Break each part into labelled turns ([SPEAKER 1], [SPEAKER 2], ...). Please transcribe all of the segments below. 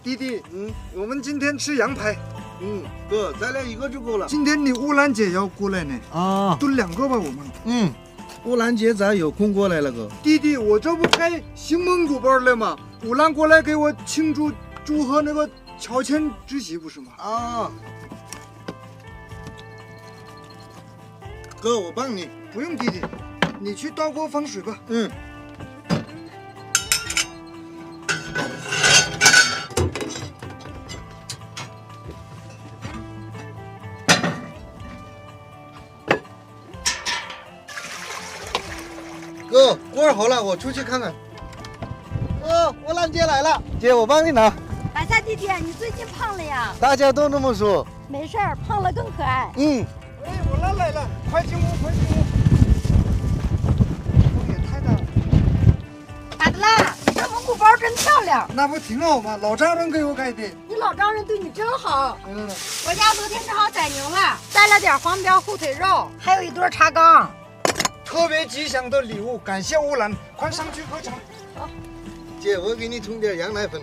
[SPEAKER 1] 弟弟，我们今天吃羊排。
[SPEAKER 2] 哥，咱俩一个就够了。
[SPEAKER 1] 今天你乌兰姐要过来呢。
[SPEAKER 2] 啊，
[SPEAKER 1] 炖2个吧，我们。
[SPEAKER 2] 乌兰姐咱有空过来了，哥。
[SPEAKER 1] 弟弟，我这不开新蒙古包了吗？乌兰过来给我庆祝贺那个乔迁之喜，不是吗？
[SPEAKER 2] 啊，哥，我帮你。
[SPEAKER 1] 不用，弟弟，你去倒锅放水吧。
[SPEAKER 2] 哥，锅好了，我出去看看。哥，乌兰姐来了，姐，我帮你拿。
[SPEAKER 3] 大夏弟弟，你最近胖了呀？
[SPEAKER 2] 大家都那么说。
[SPEAKER 3] 没事儿，胖了更可爱。
[SPEAKER 1] 哎，乌兰来了，快进屋，快进屋。风也太大了。
[SPEAKER 3] 咋的啦？这蒙古包真漂亮。
[SPEAKER 1] 那不挺好吗？老丈人给我改的。
[SPEAKER 3] 你老丈人对你真好。
[SPEAKER 1] 我
[SPEAKER 3] 家昨天正好宰牛了，带了点黄膘、后腿肉，还有一对茶缸。
[SPEAKER 1] 特别吉祥的礼物，感谢乌兰，快上去喝茶。
[SPEAKER 3] 好，
[SPEAKER 2] 姐，我给你冲点羊奶粉。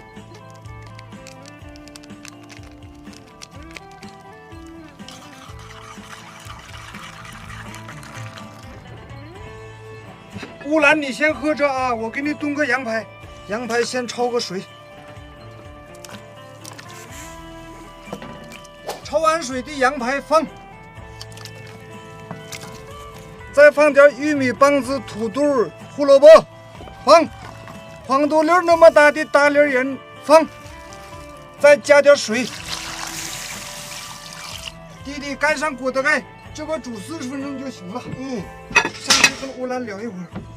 [SPEAKER 1] 乌兰，你先喝着啊，我给你炖个羊排。羊排先焯个水，焯完水的羊排放，再放点玉米棒子、土豆、胡萝卜，放黄豆粒那么大的大粒盐放，再加点水。弟弟盖上锅的盖，这个煮40分钟就行了。上去跟乌兰聊一会儿。